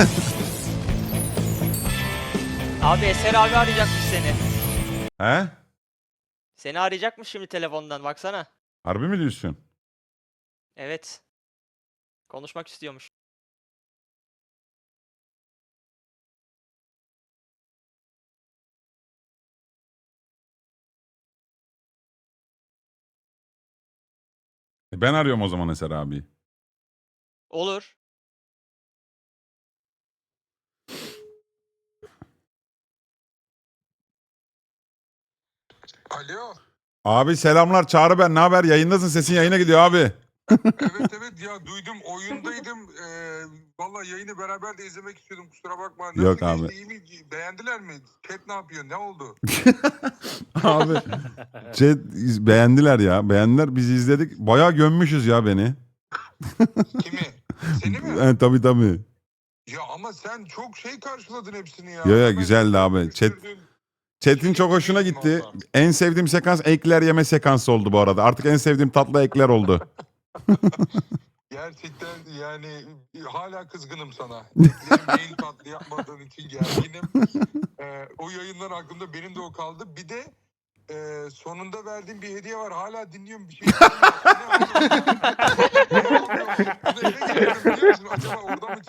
Abi Eser abi arayacakmış seni. He? Seni arayacakmış şimdi telefondan baksana. Harbi mi diyorsun? Evet. Konuşmak istiyormuş. Ben arıyorum o zaman Eser abi. Olur. Alo. Abi selamlar, Çağrı ben. Ne haber? Yayındasın, sesin yayına gidiyor abi. Evet evet ya duydum oyundaydım. Vallahi yayını beraber de izlemek istiyordum, kusura bakma. Nasıl Yok geçti, abi. iyi mi? Beğendiler mi? Chat ne yapıyor? Ne oldu? Abi chat beğendiler ya. Beğendiler. Biz izledik. Bayağı gömmüşüz ya beni. Kimi? Seni mi? Tabii tabii. Ya ama sen çok şey karşıladın hepsini ya. Yo Hemen güzeldi abi. dönüştürdün. Chat'in çok hoşuna gitti. En sevdiğim sekans ekler yeme sekansı oldu bu arada. Artık en sevdiğim tatlı ekler oldu. Gerçekten yani hala kızgınım sana. Eklerim mail tatlı yapmadığın için gerginim. O yayından aklımda benim de o kaldı. Bir de sonunda verdiğim bir hediye var. Hala dinliyorum bir şey. Bunu eve getiriyorum biliyor musun? Acaba orada mı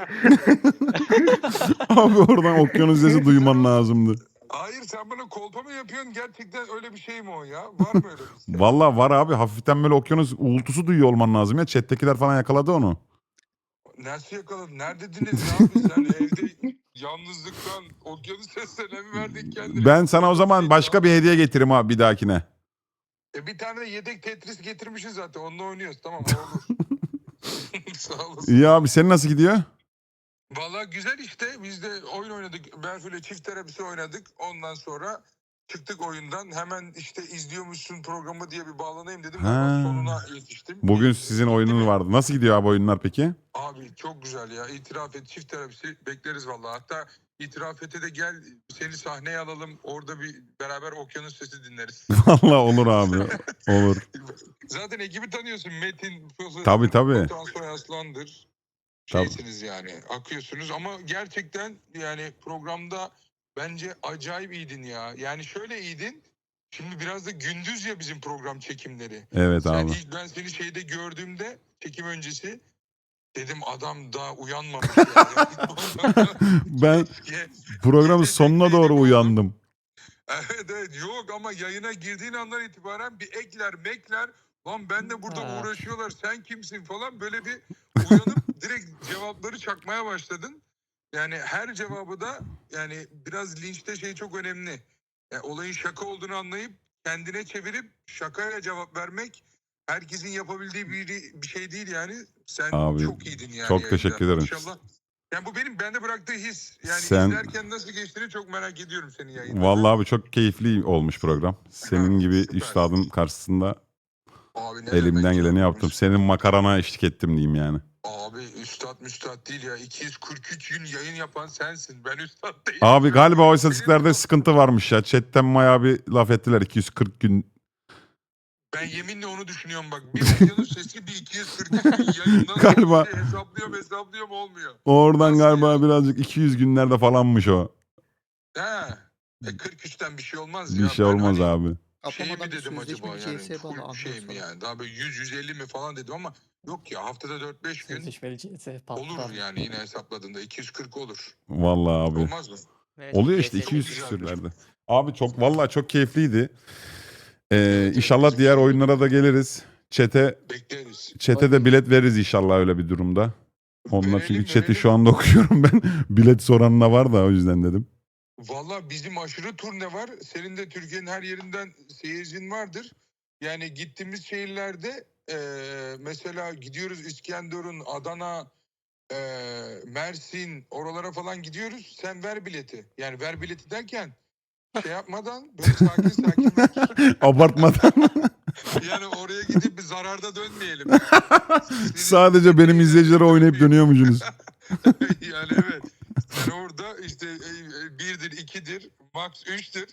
çıktı? Abi oradan okyanus sesi duyman lazımdı. Hayır, sen bana kolpa mı yapıyorsun? Gerçekten öyle bir şey mi o ya? Var mı öyle bir şey? Vallahi var abi. Hafiften böyle okyanus uğultusu duyuyor olman lazım ya. Chat'tekiler falan yakaladı onu. Nasıl yakaladın? Neredediniz ya abi? Sen evde yalnızlıktan okyanus seslerine mi verdik kendini? Ben sana o zaman başka bir hediye getireyim abi bir dahakine. Bir tane de yedek Tetris getirmişiz zaten. Onunla oynuyoruz. Tamam, o olur. Sağ olasın. İyi abi, senin nasıl gidiyor? Valla güzel işte. Biz de oyun oynadık. Berfu'yla çift terapisi oynadık. Ondan sonra çıktık oyundan. Hemen işte izliyormuşsun programı diye bir bağlanayım dedim. Ha. Ama sonuna yetiştim. Bugün sizin oyununuz vardı. Nasıl gidiyor abi oyunlar peki? Abi çok güzel ya. İtiraf et, çift terapisi bekleriz vallahi. Hatta itiraf ete de gel, seni sahneye alalım. Orada bir beraber okyanus sesi dinleriz. Vallahi olur abi. Olur. Zaten ekibi tanıyorsun. Metin, Fıfı, Tabii tabii. Batuhan Soy Aslan'dır. Şeysiniz yani, akıyorsunuz ama gerçekten yani programda bence acayip iyiydin ya. Yani şöyle iyiydin. Şimdi biraz da gündüz ya bizim program çekimleri. Evet Sen abi. ilk ben seni şeyde gördüğümde çekim öncesi dedim adam daha uyanmamış yani. Ben programın sonuna doğru uyandım. Evet evet, yok ama yayına girdiğin andan itibaren bir ekler mekler, lan ben de burada uğraşıyorlar, sen kimsin falan, böyle bir uyanıp direkt cevapları çakmaya başladın. Yani her cevabı da yani biraz linçte şey çok önemli. Yani olayın şaka olduğunu anlayıp kendine çevirip şakayla cevap vermek herkesin yapabildiği bir şey değil yani. Sen Abi, çok iyiydin yani. çok yayında. teşekkür ederim. İnşallah. Yani bu benim bende bıraktığı his. Yani Sen... izlerken nasıl geçtiğini çok merak ediyorum senin yayında. Vallahi abi çok keyifli olmuş program. Senin gibi süper. üstadın karşısında Abi ne elimden demek geleni ya? yaptım. Senin makarana eşlik ettim diyeyim yani. Abi üstad değil ya. 243 gün yayın yapan sensin. Ben üstad değilim. Abi galiba o istatistiklerde sıkıntı varmış ya. Chatten bayağı bir laf ettiler. 240 gün. Ben yeminle onu düşünüyorum bak. Bir okyanus sesi, bir 243 gün yayından Galiba. hesaplıyorum olmuyor. Oradan Nasıl galiba ya? birazcık 200 günlerde falanmış o. He. 43'ten bir şey olmaz Bir ya. şey Ben olmaz hani abi. şey mi Atlamadan bir dedim sözleşme acaba bir yani CS'ye bağlı, full şey mi anlıyorsun. yani, daha böyle 100-150 mi falan dedim ama yok ya, haftada 4-5 gün Sözleşmeli CS patlar. olur yani, yine hesapladığında 240 olur. Vallahi abi. Olmaz mı? Evet, Oluyor işte CS'li 200 güzelmiş. küsürlerde. Abi çok vallahi çok keyifliydi. Evet, İnşallah bizim diğer için oyunlara da geliriz. bekleriz. Çete de bilet veririz inşallah öyle bir durumda. Onlar çünkü Verelim, chat'i verelim. şu anda okuyorum ben. Bilet soran da var da o yüzden dedim. Valla bizim aşırı turne var. Senin de Türkiye'nin her yerinden seyircin vardır. Yani gittiğimiz şehirlerde mesela gidiyoruz İskenderun, Adana, Mersin, oralara falan gidiyoruz. Sen ver bileti. Yani ver bileti derken şey yapmadan, böyle sakin sakin ver. Abartmadan. Yani oraya gidip bir zararda dönmeyelim. Sadece benim izleyicilere oynayıp dönüyormuşsunuz. Yani evet. Sen orada işte 1'dir, 2'dir, max 3'tür.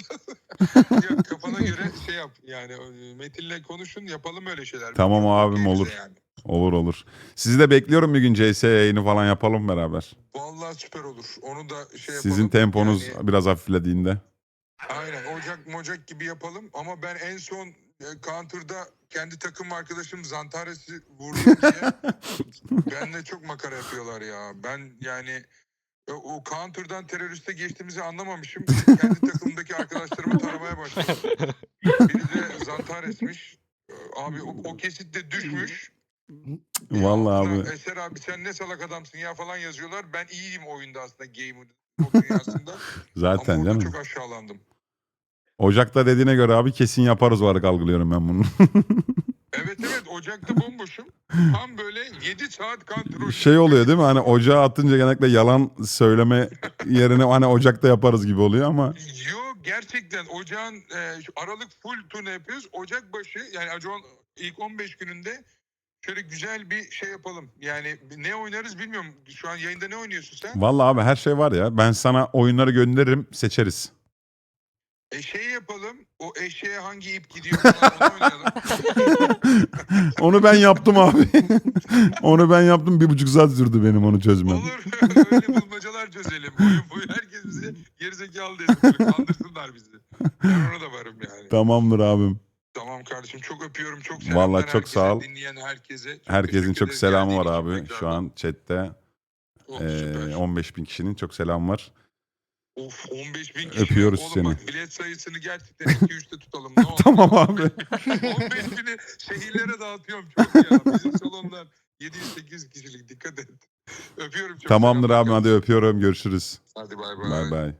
Ya kafana göre şey yap. Yani Metin'le konuşun, yapalım öyle şeyler. Tamam Çok abim, iyi bize olur. yani. Olur olur. Sizi de bekliyorum bir gün CS yayını falan yapalım beraber. Vallahi süper olur. Onu da şey yapalım. Sizin temponuz Yani, biraz hafiflediğinde. aynen Ocak gibi yapalım. Ama ben en son Counter'da kendi takım arkadaşım Zantares'i vurdum diye benimle çok makara yapıyorlar ya. Ben yani o Counter'dan teröriste geçtiğimizi anlamamışım. Kendi takımdaki arkadaşlarımı taramaya başladım. Biri de Zantares'miş. Abi o kesitte düşmüş. Vallahi Altına, abi. Eser abi sen ne salak adamsın ya falan yazıyorlar. Ben iyiyim oyunda aslında o dünyasında. Zaten Ama orada canım. çok aşağılandım. Ocak'ta dediğine göre abi kesin yaparız olarak algılıyorum ben bunu. Evet Ocak'ta bomboşum. Tam böyle 7 saat kontrol. Şey oluyor değil mi? Hani ocağa atınca genellikle yalan söyleme yerine hani Ocak'ta yaparız gibi oluyor ama. Yok gerçekten Ocağın şu Aralık full turne yapıyoruz. Ocak başı yani Ocağın ilk 15 gününde şöyle güzel bir şey yapalım. Yani ne oynarız bilmiyorum. Şu an yayında ne oynuyorsun sen? Vallahi abi her şey var ya. Ben sana oyunları gönderirim, seçeriz. Şey yapalım. O eşeğe hangi ip gidiyor falan onu oynayalım. Onu ben yaptım abi. Onu ben yaptım. 1,5 saat sürdü benim onu çözmem. Olur. Öyle bulmacalar çözelim. Oyun boyu herkes bizi gerizekalı dedi. Böyle kandırsınlar bizi. Ben ona da varım yani. Tamamdır abim. Tamam kardeşim çok öpüyorum. Çok selamlar Vallahi çok herkese, sağ ol. dinleyen herkese. Çok Herkesin teşekkür çok ederiz selamı geldiğin var için abi. tekrardan. Şu an chatte Oh, süper. 15.000 kişinin çok selam var. Of 15.000 kişi. Öpüyoruz Oğlum seni. bak bilet sayısını gerçekten 2-3'te tutalım. Ne olur. Tamam abi. 15.000'i şehirlere dağıtıyorum çok ya. Bizim salonlar 700-800 kişilik dikkat et. Öpüyorum çok. Tamamdır selamlar abi hadi kardeşim. öpüyorum. Görüşürüz. Hadi bay bay. Bay bay.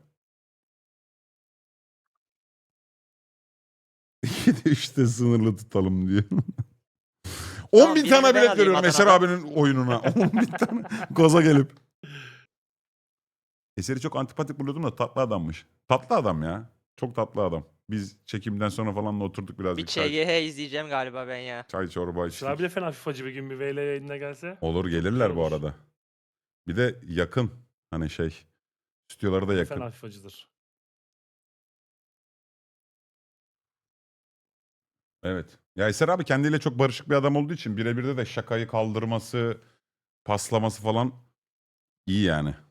3'te sınırlı tutalım diyor. 10 bin birini tane ben bilet alayım veriyorum Eser Adana'dan. abinin oyununa. 10 bin tane gaza gelip. Eser'i çok antipatik buluyordum da tatlı adammış. Tatlı adam ya. Çok tatlı adam. Biz çekimden sonra falan da oturduk Bir birazcık. ÇGH izleyeceğim galiba ben ya. Çay çorba Sıra bir içtik. de fena FIFA'cı bir gün bir VL yayınına gelse. Olur gelirler Güzel bu olur. arada. Bir de yakın. Hani şey. Stüdyoları da yakın. Fena FIFA'cıdır. Evet. Ya Eser abi kendiyle çok barışık bir adam olduğu için birebir de şakayı kaldırması, paslaması falan iyi yani.